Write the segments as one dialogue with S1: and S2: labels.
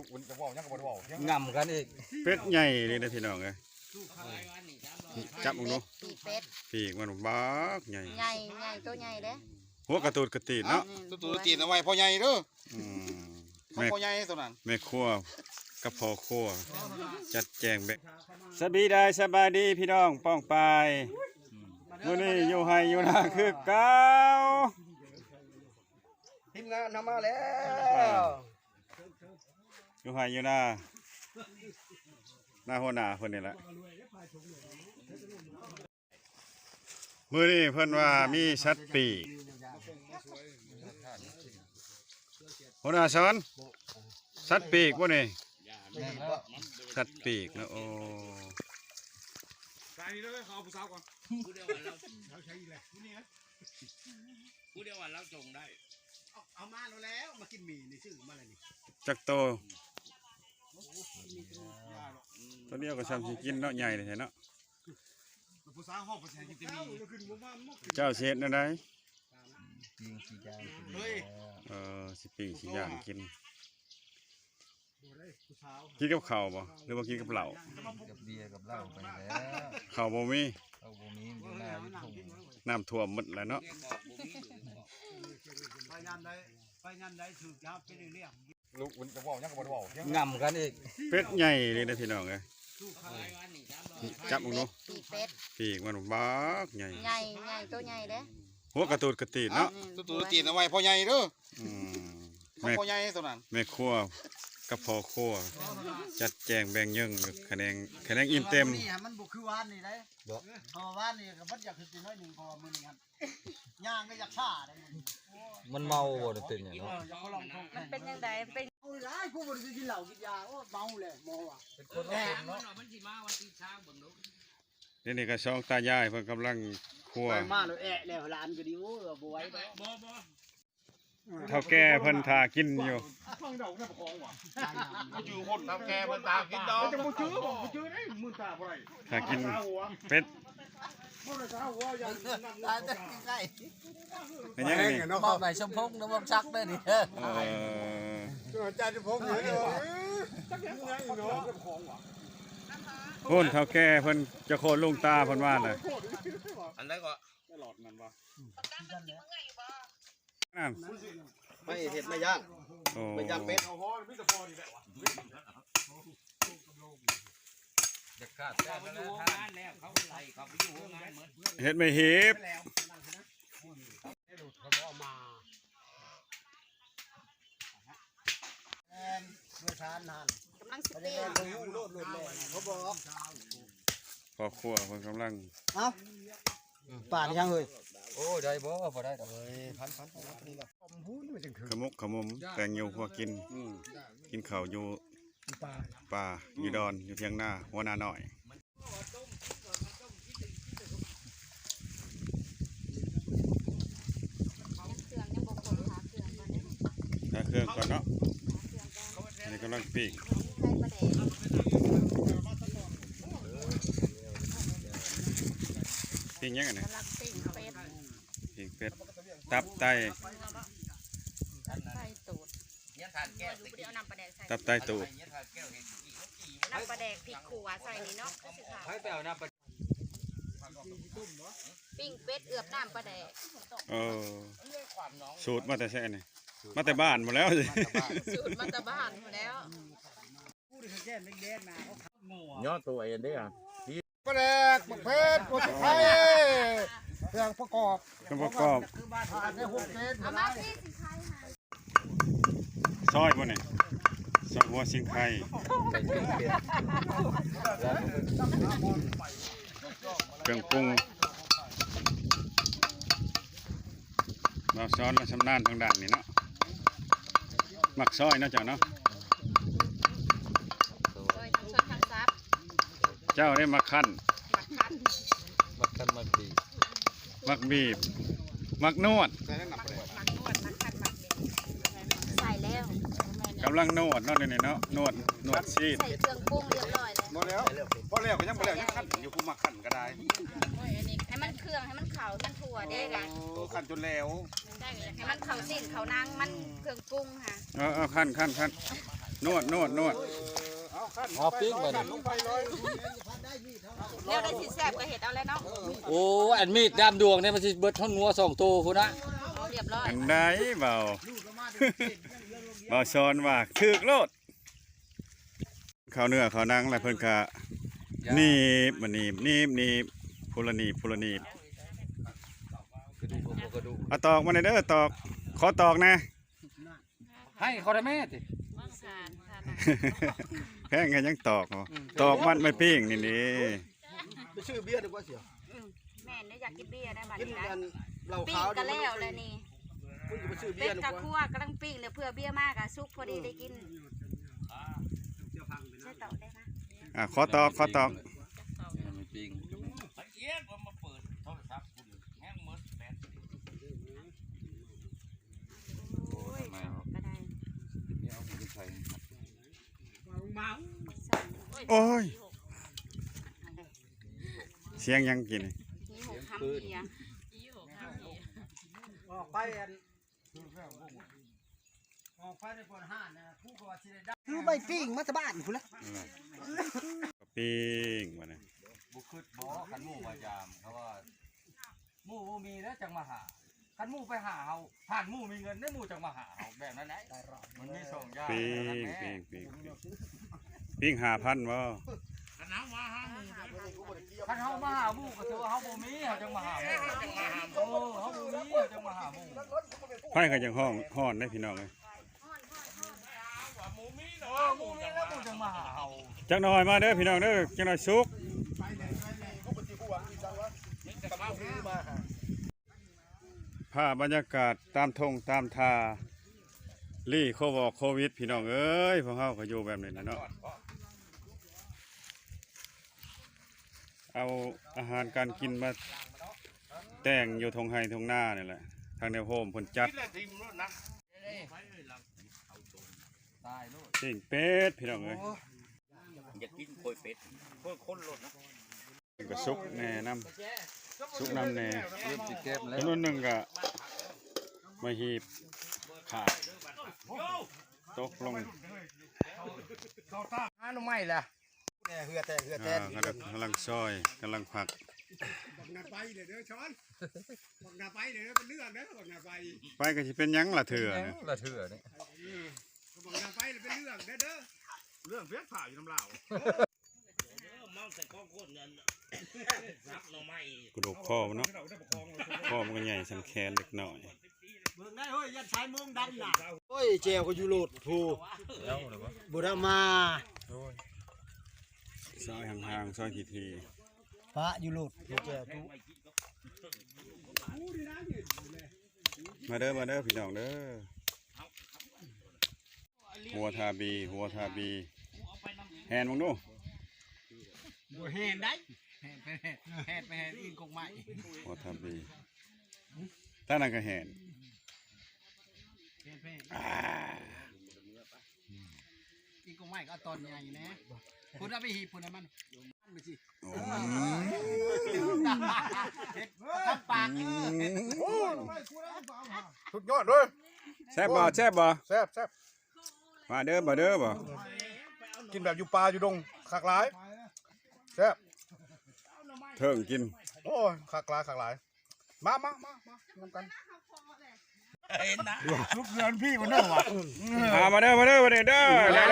S1: งำกันอีก
S2: เป็ดใหญ่เลยนะพี่น้องเลยจับมึงดู
S3: ปีเป็ด
S2: ปีกมันบักใหญ่
S3: ใหญ่ใหญ่ตัวใหญ่เด้
S2: หัวกระตูดกระตีนเนาะ
S4: ตัวตีนเอาไว้พ่อใหญ่เด้อ
S2: พ่
S4: อใหญ่ตัวนั้น
S2: แม่ครัวกับพ่อครัวจัดแจงแบบสบายดีพี่น้องป้องปายมื้อนี้อยู่ไห้อยู่นาคือเก่า
S1: ทีมงานทำมาแล้ว
S2: อยู่ไห้อยู่นาหน้าหัวหน้าคนนี้แหละมื้อนี้เพิ่นว่ามีสัตว์ปีกหัวหน้าสอนสัตว์ปีกบ่นี่สัตว์ปีกนะโอ้
S4: ใส่นี่เลยเขาผู้สาวก่อนผู้เดียววันเราใช้แหละผู้เดียววันเราจงได้เอามาแล้วมากินหมี่นี่ชื่อมาอะไรนี่
S2: จักโตตัวเดียวก็ซ้ำสิกินเนาะใหญ่เลยเนาะ
S4: ผู้สาวห้องผู้ชายกินแต่หมี่
S2: เจ้าเช็ดนั่นได้
S1: ยิงสีย่าง
S2: สิปีสิย่างกินกับข้าวบ่หรือว่ากินกับเหล้า
S1: กับเบียร์กับเหล้าไปแล้ว
S2: ข้าวบ่มี
S1: อยู่หน้าวิทง
S2: น้ำท่วมหมดแล้วเนาะ
S4: ไปงานใดถือจับไปเรื่อย
S1: ลูกจะบอกยังก็บอกงำกันอีก
S2: เป็ดใหญ่เลยนะพี่น้องเลยจับมึงดู
S3: ปีเป็ด
S2: ปีกมันบักใหญ่
S3: ใหญ่ใหญ่ตัวใหญ่เด้
S2: หัวกระตูดกระตีนเนาะ
S4: ตัวตีนเอาไว้พ่อใหญ่เด้อพ่อใหญ่ตัวนั้น
S2: แม่ครัวกับพ่อครัวจัดแจงแบ่งยังคะแนนอิ่มเต็ม
S4: นี่มันบุกคือวานนี่ได้พอวานนี่ก็มันอยากขึ้นน้อยหนึ่งพอมือหนึ่งครับย่างก็อยากฆ่าได้
S1: มันเมาบ่ได้ตื่นอย่างเนาะ
S3: มันเป็นยังไงเป็น
S4: เอาไรกูบ่ได้กินเหล้ากินยาโอ้เมาเลยมอว่ะ
S1: เป็นคนละคนเนาะ
S2: นี่ก็ช่องตายายเพิ่นกำลังครัว
S4: มาแล้วแอะแล้วร้านก็ดีโอ้บ่ไหวบ่
S2: เท่าแก่เพิ่นทากินอยู่
S4: ฟังดอกแค่ประคองว่ะก็อยู่คนเท่าแก่เพิ่นทากินดอกจะบ่จื้อได้มื้อตาบ่ได้
S2: ทากินเป็ด
S4: บ่ได้ทาหัวอย่างตายแต่ใกล้
S2: เป็นยังไงนี่
S1: มอบให้ชมพงน้ำมันชักได้นี่
S4: อาจารย์ชมพงอยู่เด้อจักยังไงเนาะประคองว่ะ
S2: โน่นเท่าแก่เพิ่นจะโคนลุงตาเพิ่นว่าน่ะ
S4: อันไหนก็
S2: ตลอดนั่นบ่
S4: นั่นไม่เห็ดไม่ย่างไม่ย่างเป็ด
S2: เห็ดไม่เห็บพอครัวเพิ่นกำลัง
S4: ป่านยังเฮ้ย
S1: โอ้ได้บ่ได้ดอก
S4: พันนี่แหละ
S2: ขมุกขมุมแต่งอยู่พวกกินข้าวอยู่ป่าอยู่ดอนอยู่เพียงหน้าหัวหน้าหน่อยถ้าเครื่องก่อนเนาะอันนี้กำลังปีกปีกยังไงเนี่ยปีกเป็ดตับไตตับไตตูด
S3: น้ำปลาแดกพริกขัวใส่นี่เนาะปิ้งเป็ดเอือบน้ำปลาแดก
S2: สูตรมาแต่แช่นี่มาแต่บ้านหมดแล้วสิ
S3: สูตรมาแต่บ้านหมดแล้ว
S1: ย้อนตัวเองได้อ่ะ
S4: ปลาแดกมะเขือกุ้งไข่เครื่องประกอบในหุบเป็ด
S3: เอามาพี่สิไข่
S2: ซอยบ่เนี่ยซอยหัวสิงไข่เครื่องปรุงเราซ้อนและชำนาญทางด้านนี้เนาะหมักซอยเนาะเจ้าเนาะเจ้าได้มาขั้นมักบีบมักนวด
S3: ใส่แล้ว
S2: กำลังนวดเนาะเนี่ยเนาะนวดชีส
S3: ใส่เครื่องปรุงเรียบร้อยเลย
S4: หมดแล้วพอแล้วก็ยังพอแล้วยังขั้นอยู่ผู้มาขั้นก็ได้
S3: ให้มันเครื่องให้มันเข่ามันถั่วได้กัน
S4: ขั้นจนแล้ว
S3: ให้มันเข่าสิ้นเข่านางมันเครื่องปรุงค่ะ
S2: ขั้นนวด
S1: เอาปิ้งไปนี่
S3: เดี๋ยวได้สิแซ่บก็เห็ดเอาแล้วเนาะ
S1: โอ้อันมีดดามดวงเนี่ยมันสิเบิดท่อนงัว2ตัวพุ่นนะ
S3: เอาเรียบร้อย
S2: อันใดเบา เบาซ้อนว่าถึกโลดข้าวเนื้อข้าวหนังแล้วเพิ่นก็หนีบมาหนีบพูละหนีบ
S1: กระดูกกระดูก
S2: เอาตอกมาหน่อยเด้อตอกขอตอกนะ
S1: ให้เขาได้แม่ติ
S2: แพงกันยังตอกเหรอตอกมันไม่ปิ้งนี่นี่
S4: ไปชื่อเบียร์ดีกว่าเสีย
S3: แม่เนี่ยอยากกินเบียร์ได้บัด
S4: กิน
S3: นี้
S4: กั
S3: นะ
S4: นเหล้า
S3: ปิ้
S4: ขาง ว
S3: ก็แล้วเลยนี่
S4: มึงจะไปชื่อเบี
S3: เป็
S4: ย
S3: ด
S4: ร์ดี
S3: กะ
S4: กว่า
S3: คั่วกำลังปิ้งเลยเพื่อเบียร์มากอะซุกพอดีได้กินใช่ต่อได้นะ
S2: ขอตอก
S1: มีปิ้ง
S3: โอ้ยก็ได้
S1: นี่เอาไปใส่
S2: โอ้ยเสียงยังกินนี่
S3: นี่หกคำเบียร์
S4: ออกไปอันออกไปในปนห้านนะผู้ก็ว่าสิได้คือใบปิ้งมาจากบ้านพุ่นละ
S2: ปิ้งมาเนี่ย
S1: บุคืดบ่คันหมู่พยายามเขาว่าหมู่บ่มีแล้วจังมาหาคันหมู่ไปหาเฮาผ่านหมู่มีเงินได้หมู่จังมาหาเฮาแบบนั้นแหละมันมี2อย่าง
S2: ปิ้ง5,000บ่
S1: คันเฮามาหาหมู่ก็ถือว่าเฮาบ่มีเฮาจังมาหาหมู่เฮาบ่มีเฮาจังมาหาหมู่
S2: ไฟก็ยังฮ้อนได้พี่น้องเลย
S1: หมู่มีแล้วหมู่จังมาหาเฮา
S2: จักหน่อยมาเด้อพี่น้องเด้อจักหน่อยสุกภาพบรรยากาศตามทงตามทาลี่โควิดพี่น้องเอ้ยพวกเฮาก็อยู่แบบนี้นะเนาะเอาอาหารการกินมาแต่งอยู่ทงไห้ทงหน้านี่แหละทางแนวโฮมเพิ่นจัด
S1: ตายโลด
S2: ปิ้งเป็ดพี่น้องเอ้ย
S1: อยากกินโคยเป็ดโคยคนโลดนะ
S2: ก็สุกแหน่น้ำสุกน้ำแหน่
S1: เริ่มสิเก็บแล้ว
S2: จำนวนหนึ่งก็มาหีบขาดตกลง
S1: หาหน่อไม้ล่ะ
S4: เหือแต่
S2: กำลังซอยกำลังผัก
S4: บักนาไปเลยเด้อช้อนบักนาไปเลยเป็นเรื่องเด้อบักนาไป
S2: ไปก็สิเป็นหยังล่ะเถื่อนะ
S1: ละเถื่อนี่
S4: บักนาไปเลยเป็นเรื่องเด้อเรื่องเฟี้ยผ่าอยู่น้ำเหล่า
S2: กระดูกคอมันเนาะคอมันก็ใหญ่สันแขนเล็กน้อย
S4: เบิ่งได้เฮ้ยยัดชายเมืองดำน่ะโอ้ยเจลก็อยู่โหลดผู้บุรมา
S2: ซอยห่างๆซอยที
S4: พระอยู่โหลดเจลทุ
S2: ๆมาเด้อพี่น้องเด้อหัวทาบีแฮนมึงดู
S4: บัวแหนได้แหนไปแหนอินกงไม้
S2: หัวทาบีท่านั่นก็แฮน
S4: อินกงไม้ก็ตอนใหญ่นะคุณเอาไปหีบคุณมันไปสิ
S2: โอ้
S4: ทำปาก
S5: สุดยอดเลย
S2: แซ่บบ่
S5: แซ่บ
S2: มาเด้อบ่
S5: กินแบบอยู่ป่าอยู่ดงขากหลายแซ่บ
S2: เถิงกิน
S5: โอ้ยขากหลายมาทำกันลูกเรือนพี่คนนึงว่ะ
S2: มาเด้อได้เด้อ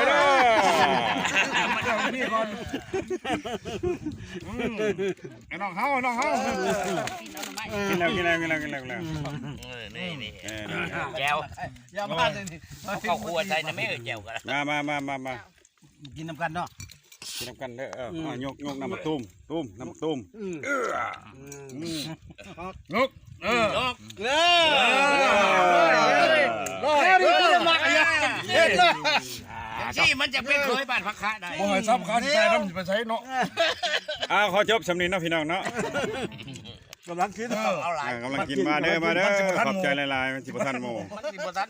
S5: พี่ก่อนไอ้น้องเฮา
S2: กินแล้ว
S1: นี่แก้ว
S4: อย่ามาเลยนี่
S1: เข้าครัวใจนะแม่แก้วกัน
S2: มา
S4: กินน้ำกันเนาะ
S2: กินน้ำกันเด้อยกน้ำมาตุ้มน้ำตุ้ม
S1: ที่มันจะเป็นเคยบ้านพักคะได้
S5: โอ้ยซ้ำขาที่ใช้น้ำไปใช้เนาะ
S2: ขอจบสำนีเนาะพี่น้องเนาะ
S5: กำลังคิด
S1: เอาหลาย
S2: กำลังกินมาเด้อขอบใจหลายๆมันจิบทันโม
S1: มันสิบ่ทัน